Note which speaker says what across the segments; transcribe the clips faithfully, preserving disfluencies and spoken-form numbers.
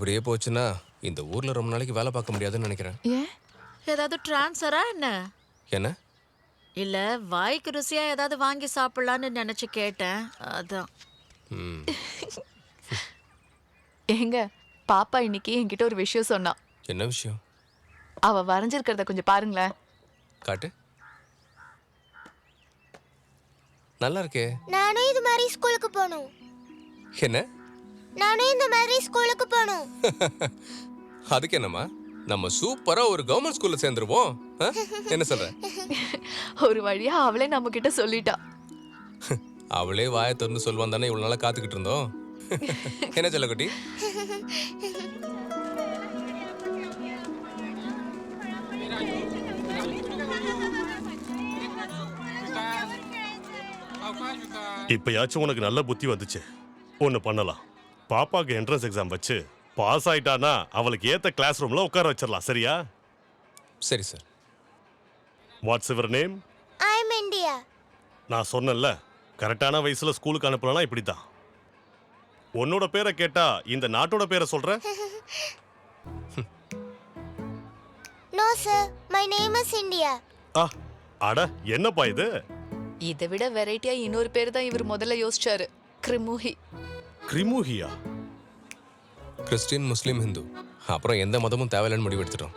Speaker 1: இப்படியே போச்சுன்னா இந்த ஊர்ல ரொம்ப நாளைக்கு வேலை பார்க்க முடியாதுன்னு நினைக்கிறேன்.
Speaker 2: ஏன்?
Speaker 3: ஏதாவது டிரான்ஸ்ஃபரா என்ன?
Speaker 1: என்ன?
Speaker 3: இல்ல வாய்க்கு ருசியா ஏதாவது வாங்கி சாப்பிடலான்னு நினைச்சு கேட்டேன், அதான்.
Speaker 1: ம்.
Speaker 2: ஏங்க, பாப்பா இன்னைக்கு என்கிட்ட ஒரு விஷயம் சொன்னா.
Speaker 1: என்ன விஷயம்?
Speaker 2: அவ வரைஞ்சிருக்கிறத கொஞ்சம் பாருங்களேன்.
Speaker 1: காட்டு. நல்லா இருக்கே.
Speaker 4: நானும் இது மாதிரி ஸ்கூலுக்கு போகணும்.
Speaker 1: என்ன?
Speaker 4: நானும் இந்த மாதிரி ஸ்கூலுக்கு போகணும்.
Speaker 1: அதுக்கு என்னம்மா, நம்ம சூப்பரா ஒரு கவர்மெண்ட் ஸ்கூல்ல சேர்ந்துருவோம். ஆ? என்ன சொல்ற?
Speaker 2: ஒரு வழியா அவளே நம்ம கிட்ட சொல்லிட்டா.
Speaker 1: அவளே வாயை திறந்து சொல்வான் தானே இவ்வளவு நாளா காத்துக்கிட்டு இருந்தோம். என்ன செல்லக்குட்டி?
Speaker 5: இப்பயாச்சும் உனக்கு நல்ல புத்தி வந்துச்சு. ஒன்று பண்ணலாம். பாப்பாக்கு என்ட்ரன்ஸ் எக்ஸாம் வச்சு பாஸ் ஆயிட்டானா அவளுக்கு ஏத்த கிளாஸ் ரூம்ல உட்கார வச்சிடலாம். சரியா?
Speaker 1: சரி sir.
Speaker 5: What's your name?
Speaker 4: I am India.
Speaker 5: நான் சொன்னேன்ல, கரெக்டான வயசுல ஸ்கூலுக்கு அனுப்பலனா இப்படி தான். உன்னோட பேரை கேட்டா இந்த நாட்டோட பேரை சொல்ற?
Speaker 4: No sir, my name is India.
Speaker 5: ஆ, அட என்னப்பா இது?
Speaker 2: இதை விட வெரைட்டியா இன்னொரு பேர் தான் இவர் முதல்ல யோசிச்சாரு. கிரிமுகி.
Speaker 5: கிரிமுகியா?
Speaker 1: கிறிஸ்டின், முஸ்லீம், ஹிந்து, அப்புறம் எந்த மதமும் தேவையில்லைன்னு முடிவு எடுத்துட்டோம்.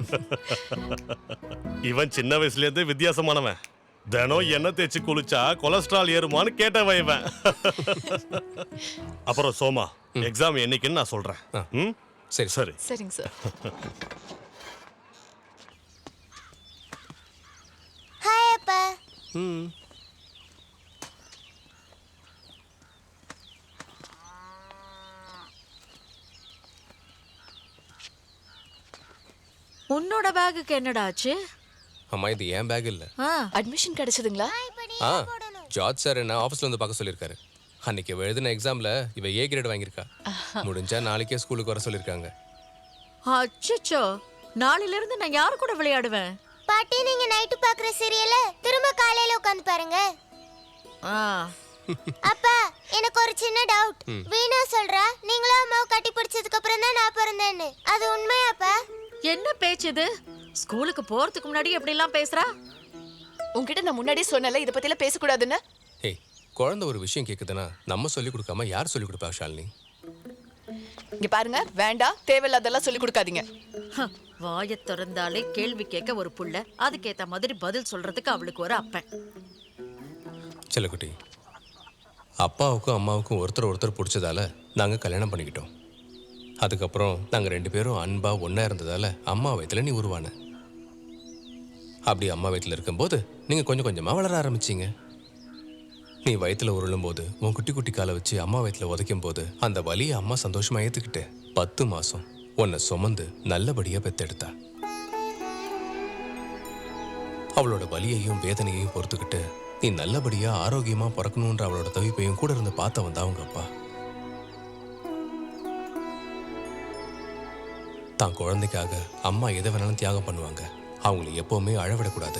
Speaker 5: இவன் சின்ன வயசுல இருந்தே வித்தியாசமானவன். தினம் எண்ணெய் தேய்ச்சி குளிச்சா கொலஸ்ட்ரால் ஏறுமான்னு கேட்டவன் இவன். அப்புறம் சோமா, எக்ஸாம் என்னைக்குன்னு நான் சொல்றேன். ம்,
Speaker 1: சரி
Speaker 5: சரி.
Speaker 2: சரிங்க சார்.
Speaker 4: ஹாய் அப்பா.
Speaker 1: ம்.
Speaker 3: உன்னோட பேகுக்கு என்னடா ஆச்சு?
Speaker 1: அம்மா, இது ஏன் பேக் இல்ல.
Speaker 3: ஆ,
Speaker 2: அட்மிஷன் கிடைச்சதுங்களா?
Speaker 1: ஆ, ஜார்ஜ் சார் என்ன ஆஃபீஸ்ல வந்து பார்க்க சொல்லியிருக்காரு. அன்னைக்கு இவ எழுதின எக்ஸாம்ல இவ ஏ கிரேட் வாங்கியிருக்கா. முடிஞ்சா நாளைக்கே ஸ்கூலுக்கு வர சொல்லியிருக்காங்க.
Speaker 3: அச்சச்சோ, நாளையில இருந்து நான் யாரு கூட விளையாடுவேன்?
Speaker 4: பாட்டி, நீங்க நைட்டு பாக்குற சீரியல திரும்ப காலையில உட்கார்ந்து பாருங்க.
Speaker 3: ஆ,
Speaker 4: அப்பா, எனக்கு ஒரு சின்ன டவுட். வீணா சொல்றா நீங்களும் அம்மாவை கட்டி பிடிச்சதுக்கு அப்புறம் தான் நான் பிறந்தேன்னு. அது உண்மையாப்பா?
Speaker 3: என்ன பேச்சு இது? ஸ்கூலுக்கு போறதுக்கு முன்னாடி எப்படி எல்லாம் பேசுறா?
Speaker 2: உங்ககிட்ட நான் முன்னாடியே சொன்னல இத பத்தில பேசக்கூடாதுன்னு.
Speaker 1: ஏய், குழந்தை ஒரு விஷயம் கேக்குதுன்னா நம்ம சொல்லி கொடுக்காம யார் சொல்லி கொடுப்பா ஷாலினி?
Speaker 2: இங்க பாருங்க, வேண்டாம், தேவையில்லாதெல்லாம் சொல்லி கொடுக்காதீங்க.
Speaker 3: வாயை திறந்தாலே கேள்வி கேட்க ஒரு புள்ள, அதுக்கேத்த மாதிரி பதில் சொல்றதுக்கு அவளுக்கு ஒரு அப்பன்.
Speaker 1: செல்லக்குட்டி, அப்பாவுக்கும் அம்மாவுக்கும் ஒருத்தர் ஒருத்தர் பிடிச்சதால நாங்கள் கல்யாணம் பண்ணிக்கிட்டோம். அதுக்கப்புறம் நாங்கள் ரெண்டு பேரும் அன்பா ஒன்றா இருந்ததால அம்மா வயிற்றுல நீ உருவான. அப்படி அம்மா வயிற்றுல இருக்கும்போது நீங்கள் கொஞ்சம் கொஞ்சமாக வளர ஆரம்பிச்சிங்க. நீ வயிற்றுல உருளும் போது உன் குட்டி குட்டி காலை வச்சு அம்மா வயிற்றுல உதைக்கும் போது அந்த வலியை அம்மா சந்தோஷமா ஏற்றுக்கிட்டு பத்து மாதம் உன்னை சுமந்து நல்லபடியாக பெத்தெடுத்தா. அவளோட வலியையும் வேதனையையும் பொறுத்துக்கிட்டு நீ நல்லபடியா ஆரோக்கியமா பிறக்கணுன்ற அவளோட தவிப்பையும் கூட இருந்து பார்த்த வந்தா அவங்க அப்பா. தான் குழந்தைக்காக அம்மா எதை வேணாலும் தியாகம் பண்ணுவாங்க. அவங்களை எப்பவுமே அழவிடக்கூடாது.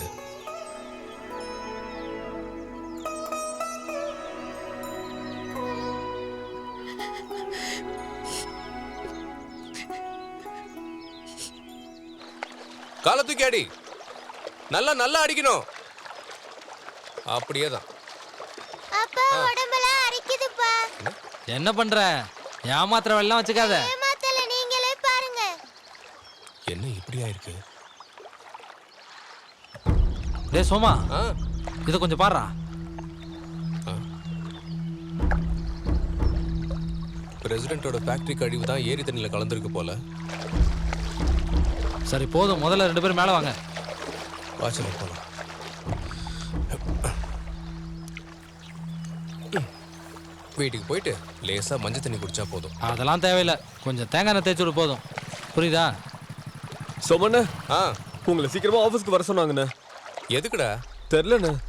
Speaker 1: காலை தூக்கி அடி, நல்லா நல்லா அடிக்கணும். அப்படியே தான்.
Speaker 4: அப்பா, உடம்பெல்லாம் அரிக்குதுப்பா.
Speaker 6: என்ன பண்ற? ஏமாத்திர வெள்ளம் வச்சுக்காத.
Speaker 4: ஏமாத்தல, நீங்களே பாருங்க.
Speaker 1: என்ன இப்படியா இருக்கு?
Speaker 6: டேய் சோமா,
Speaker 1: ஆ,
Speaker 6: இத கொஞ்சம் பாருடா.
Speaker 1: பிரசிடென்ட்டோட ஃபேக்டரி கழிவு தான் ஏரி தண்ணியில் கலந்துருக்கு போல.
Speaker 6: சரி போதும், முதல்ல ரெண்டு பேரும் மேலே வாங்க.
Speaker 1: வாசல் போலாம். வீட்டுக்கு போயிட்டு லேசா மஞ்சள் தண்ணி குடிச்சா போதும்.
Speaker 6: அதெல்லாம் தேவையில்லை, கொஞ்சம் தேங்காய் எண்ணெய் தேய்ச்சி விட போதும். புரியுதா?
Speaker 7: சோமண்ணே,
Speaker 1: ஆ,
Speaker 7: உங்களை சீக்கிரமா ஆபீஸ்க்கு வர சொன்னாங்கண்ணே.
Speaker 1: எதுக்குடா?
Speaker 7: தெரிலண்ணே.